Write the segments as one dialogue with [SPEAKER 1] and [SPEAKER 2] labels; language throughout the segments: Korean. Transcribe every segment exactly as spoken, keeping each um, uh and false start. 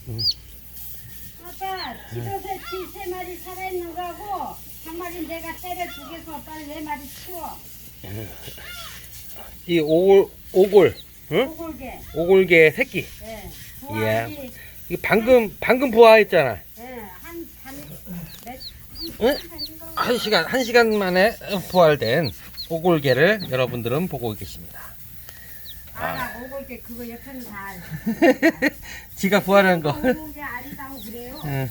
[SPEAKER 1] 응.
[SPEAKER 2] 아빠 집에서 쥐세 마리 살아있는 거하고 한 마리 내가 때려 죽여서 빨리 네 마리 치워.
[SPEAKER 1] 이 오골 오골 응?
[SPEAKER 2] 오골개.
[SPEAKER 1] 오골개 새끼.
[SPEAKER 2] 예.
[SPEAKER 1] 이야.
[SPEAKER 2] 부화하지.
[SPEAKER 1] 이 방금 방금 부화했잖아.
[SPEAKER 2] 예. 한반 몇.
[SPEAKER 1] 응? 한 시간 한 시간 만에 부활된 오골개를 여러분들은 보고 계십니다.
[SPEAKER 2] 아, 오골개 그거 옆에는 다.
[SPEAKER 1] 지가 부활한 거.
[SPEAKER 2] 오골개 아리다고 그래요.
[SPEAKER 1] 응.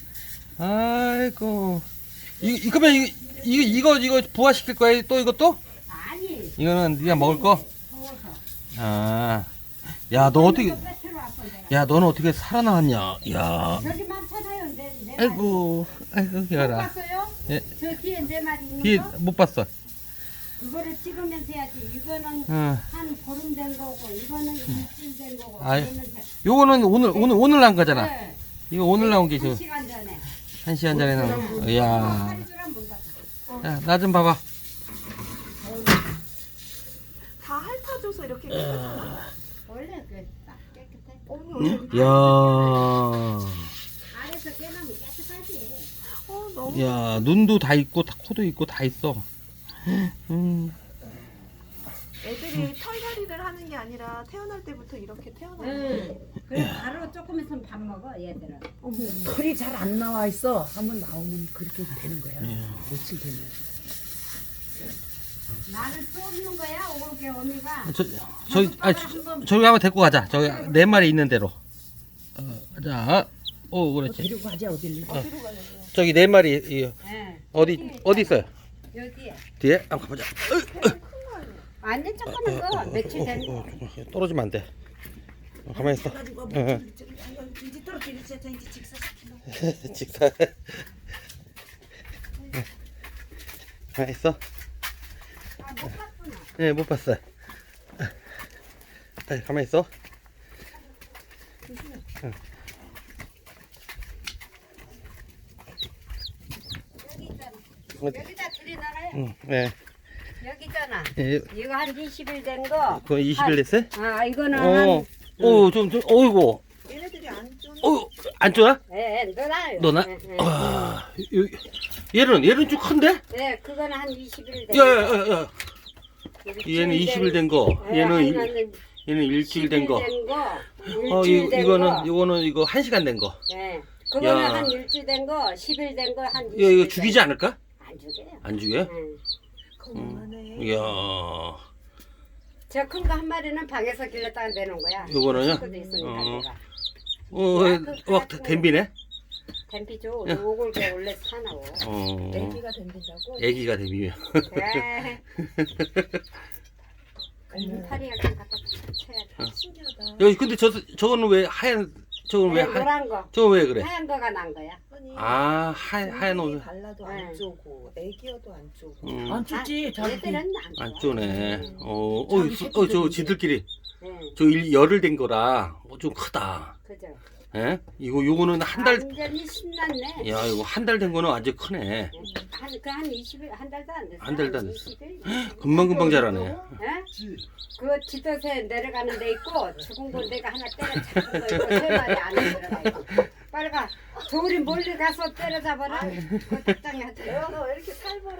[SPEAKER 1] 아이고. 이, 이 그러면 이, 이, 이거 이거 부화시킬 거야 또 이것도?
[SPEAKER 2] 아니.
[SPEAKER 1] 이거는 네가 먹을 거?
[SPEAKER 2] 더워서.
[SPEAKER 1] 아. 야, 너 어떻게
[SPEAKER 2] 이거 빼트로 왔어, 내가.
[SPEAKER 1] 야, 너는 어떻게 살아나왔냐? 야.
[SPEAKER 2] 저기 많잖아요. 네, 네
[SPEAKER 1] 아이고. 아이고,
[SPEAKER 2] 못
[SPEAKER 1] 기어라.
[SPEAKER 2] 봤어요?
[SPEAKER 1] 예.
[SPEAKER 2] 저 뒤에 네 마리 있는
[SPEAKER 1] 뒤에
[SPEAKER 2] 거?
[SPEAKER 1] 못 봤어.
[SPEAKER 2] 그거를 찍으면서 해야지. 이거는
[SPEAKER 1] 응.
[SPEAKER 2] 한 보름 된 거고, 이거는 일주일 된 거고.
[SPEAKER 1] 아이,
[SPEAKER 2] 이거는 세-
[SPEAKER 1] 요거는 오늘 오늘 오늘 난 거잖아.
[SPEAKER 2] 네.
[SPEAKER 1] 이거 오늘 나온 게
[SPEAKER 2] 한
[SPEAKER 1] 저
[SPEAKER 2] 시간 전에.
[SPEAKER 1] 한 시간 전에 나온 거. 이야.
[SPEAKER 2] 파리주랑 문 닫았어.
[SPEAKER 1] 야, 나 좀 봐봐.
[SPEAKER 3] 다 핥아줘서 이렇게 깨끗하나?
[SPEAKER 2] 원래 그딱 깨끗해.
[SPEAKER 3] 어머니,
[SPEAKER 1] 야.
[SPEAKER 2] 아래서 깨나면 깨끗하지.
[SPEAKER 3] 어, 너무.
[SPEAKER 1] 야, 눈도 다 있고 다 코도 있고 다 있어. 음.
[SPEAKER 3] 애들이 털갈이를 하는 게 아니라 태어날 때부터 이렇게 태어나는 거예요.
[SPEAKER 2] 응. 그래 바로 조금 있으면 밥 먹어 얘들은.
[SPEAKER 3] 어머,
[SPEAKER 4] 털이 잘 안 나와 있어. 한번 나오면 그렇게 되는 거야.
[SPEAKER 1] 예.
[SPEAKER 4] 며칠 되면.
[SPEAKER 2] 나를 쏘는 거야 오골개 어미가.
[SPEAKER 1] 저 저기 아 저, 저기 한번 데리고 가자. 저기 네 마리 있는 대로. 어, 자. 오, 그렇지.
[SPEAKER 4] 데리고 가자 어딜.
[SPEAKER 3] 어디로 가려고?
[SPEAKER 1] 저기 네 마리 이,
[SPEAKER 2] 네.
[SPEAKER 1] 어디 어디 있어요?
[SPEAKER 2] 여기에.
[SPEAKER 1] 뒤에 한번 가보자.
[SPEAKER 2] 완전 조그만 거 며칠 된 거.
[SPEAKER 1] 떨어지면 안 돼. 어, 가만히 있어. 응,
[SPEAKER 3] 이제 떨어뜨리자, 이제 직사시키고.
[SPEAKER 1] 응. 직사. 가만히 있어.
[SPEAKER 2] 아못 봤구나.
[SPEAKER 1] 예, 못 봤어. 아, 가만히 있어. 응.
[SPEAKER 2] 여기 있잖아.
[SPEAKER 1] 어디?
[SPEAKER 2] 여기다 들이나가요.
[SPEAKER 1] 응, 네.
[SPEAKER 2] 여기 있잖아.
[SPEAKER 1] 예,
[SPEAKER 2] 이거 한 이십 일 된 거.
[SPEAKER 1] 그거 이십 일 됐어요?
[SPEAKER 2] 아 이거는
[SPEAKER 1] 어,
[SPEAKER 2] 한.
[SPEAKER 1] 오, 좀, 좀, 어이구,
[SPEAKER 3] 얘네들이 안 쫀.
[SPEAKER 1] 어, 안 좋아?
[SPEAKER 2] 예, 너나요.
[SPEAKER 1] 너나?
[SPEAKER 2] 예, 예.
[SPEAKER 1] 아, 요, 얘는, 얘는 좀 큰데?
[SPEAKER 2] 네, 그거는 한 이십 일 된
[SPEAKER 1] 야,
[SPEAKER 2] 거.
[SPEAKER 1] 야, 야, 야. 얘는 이십 일 된 거,
[SPEAKER 2] 예,
[SPEAKER 1] 얘는, 일,
[SPEAKER 2] 하나는
[SPEAKER 1] 얘는 일주일 된 거.
[SPEAKER 2] 된 거.
[SPEAKER 1] 어,
[SPEAKER 2] 일주일
[SPEAKER 1] 이,
[SPEAKER 2] 된
[SPEAKER 1] 이거는,
[SPEAKER 2] 거.
[SPEAKER 1] 이거는, 이거 한 시간 된 거.
[SPEAKER 2] 예. 그거는
[SPEAKER 1] 야.
[SPEAKER 2] 한 일주일 된 거, 십 일 된 거, 한 이십
[SPEAKER 1] 이거,
[SPEAKER 2] 일
[SPEAKER 1] 이거
[SPEAKER 2] 된
[SPEAKER 1] 죽이지
[SPEAKER 2] 거.
[SPEAKER 1] 않을까?
[SPEAKER 2] 안 죽여요.
[SPEAKER 1] 안 죽여?
[SPEAKER 2] 응.
[SPEAKER 3] 건강하네.
[SPEAKER 1] 이야,
[SPEAKER 2] 저 큰 거 한 마리는 방에서 길렀다가 내놓은 거야.
[SPEAKER 1] 요거는요?
[SPEAKER 2] 식구도 있으니까
[SPEAKER 1] 어.
[SPEAKER 2] 내가.
[SPEAKER 1] 어, 막 댐비네?
[SPEAKER 2] 댐피죠. 오골개 원래 사나워.
[SPEAKER 1] 어,
[SPEAKER 3] 애기가 덤빈다고?
[SPEAKER 1] 애기가 댐비면.
[SPEAKER 2] 그래. 이파리 약간 갖다 쳐야지.
[SPEAKER 3] 신기하다.
[SPEAKER 1] 여기, 근데 저, 저거는 왜 하얀, 저건 왜
[SPEAKER 2] 네,
[SPEAKER 1] 하,
[SPEAKER 2] 노란 거.
[SPEAKER 1] 저건 왜 그래?
[SPEAKER 2] 하얀 거가 난 거야.
[SPEAKER 3] 아니,
[SPEAKER 1] 아, 하얀, 하얀 옷.
[SPEAKER 3] 발라도
[SPEAKER 2] 네.
[SPEAKER 3] 안 쪼고, 애기여도 안 쪼고.
[SPEAKER 1] 음,
[SPEAKER 4] 안 춥지.
[SPEAKER 2] 아,
[SPEAKER 4] 자기.
[SPEAKER 2] 얘들은 안,
[SPEAKER 1] 안
[SPEAKER 2] 좋아.
[SPEAKER 1] 쪼네.
[SPEAKER 2] 음.
[SPEAKER 1] 어, 어, 수- 어, 저 지들끼리.
[SPEAKER 2] 네,
[SPEAKER 1] 저 일, 열흘 된 거라, 어, 좀 크다.
[SPEAKER 2] 그죠.
[SPEAKER 1] 예? 이거, 요거는 한 달,
[SPEAKER 2] 완전히 신났네.
[SPEAKER 1] 야, 이거 한 달 된 거는 완전 크네.
[SPEAKER 2] 한, 그 한 이십 일, 한 달도 안 됐어.
[SPEAKER 1] 한 달도 안 됐어.
[SPEAKER 2] 이십 일?
[SPEAKER 1] 금방금방 자라네.
[SPEAKER 2] 예? 그 지도새 내려가는 데 있고 죽은 거 내가 하나 때려 잡은 거 있고 세 마리 안에 들어가 있고 빨리 가 저우리 멀리 가서 때려잡아라 그 닭장에 하자
[SPEAKER 3] 내가 왜 이렇게 살벌해?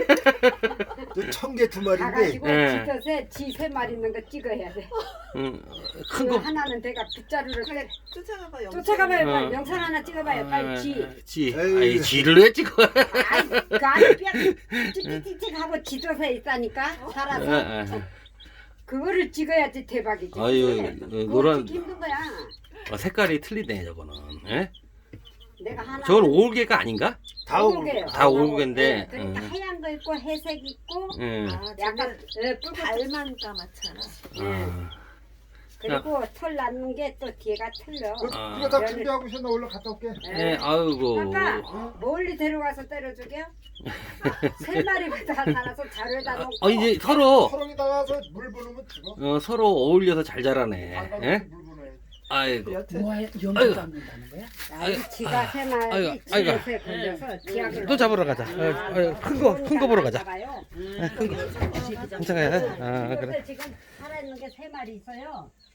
[SPEAKER 5] 청개 두 마리인데
[SPEAKER 2] 가가지고
[SPEAKER 1] 예.
[SPEAKER 2] 지도새 지 세 마리 있는 거 찍어야 돼
[SPEAKER 1] 응, 큰
[SPEAKER 2] 그
[SPEAKER 1] 거.
[SPEAKER 2] 하나는 내가 빗자루를 그래
[SPEAKER 3] 쫓아가봐, 영상.
[SPEAKER 2] 쫓아가봐요 빨리
[SPEAKER 1] 어.
[SPEAKER 2] 영상 하나 찍어봐요 빨리 지
[SPEAKER 1] 아, 지.
[SPEAKER 5] 에이.
[SPEAKER 1] 아이, 지를 왜 찍어?
[SPEAKER 2] 아이 그 안에 뼈 찌찌찌찌 하고 지도새 있다니까
[SPEAKER 1] 아,
[SPEAKER 2] 살아서
[SPEAKER 1] 아,
[SPEAKER 2] 그거를 찍어야지 대박이지
[SPEAKER 1] 아유,
[SPEAKER 2] 그거
[SPEAKER 1] 노란,
[SPEAKER 2] 찍기 힘든 거야
[SPEAKER 1] 아, 색깔이 틀리네, 저거는. 예?
[SPEAKER 2] 내가 하나
[SPEAKER 1] 저건 오울개가 아닌가?
[SPEAKER 5] 다
[SPEAKER 2] 오골개예요.
[SPEAKER 1] 다 오골개인데,
[SPEAKER 2] 네,
[SPEAKER 1] 응.
[SPEAKER 2] 그러니까 하얀 거 있고 회색 있고
[SPEAKER 1] 응.
[SPEAKER 3] 아,
[SPEAKER 2] 약간
[SPEAKER 3] 약간
[SPEAKER 2] 예, 붉은
[SPEAKER 3] 발만 까맣잖아.
[SPEAKER 1] 아,
[SPEAKER 2] 그리고 털 낳는 게 또 뒤에가 틀려.
[SPEAKER 5] 그,
[SPEAKER 1] 아.
[SPEAKER 5] 이거 다 준비하고 있어. 나 올라 갔다 올게.
[SPEAKER 1] 네, 아이고.
[SPEAKER 2] 아까 멀리 데려가서 때려 죽여? 세 마리가 다 살아서 자루에다 놓고.
[SPEAKER 1] 어, 이제 서로,
[SPEAKER 5] 서롱이 나가서 물 부으면 죽어.
[SPEAKER 1] 어, 서로 어울려서 잘 자라네.
[SPEAKER 5] 안
[SPEAKER 1] 예?
[SPEAKER 5] 가면 물 부어야
[SPEAKER 1] 아이고.
[SPEAKER 3] 여튼
[SPEAKER 4] 뭐
[SPEAKER 1] 아이고.
[SPEAKER 4] 연기 닦는다는 거야?
[SPEAKER 2] 아이, 지가 세 마리
[SPEAKER 1] 아이고, 아이고.
[SPEAKER 2] 지도새 걸려서 지약을
[SPEAKER 1] 또 잡으러 가자. 어, 어, 큰 거, 큰 거 보러 가자.
[SPEAKER 2] 잡아요.
[SPEAKER 1] 큰 거. 괜찮아요? 아, 그래.
[SPEAKER 2] 지금 살아있는 게 세 마리 있어요.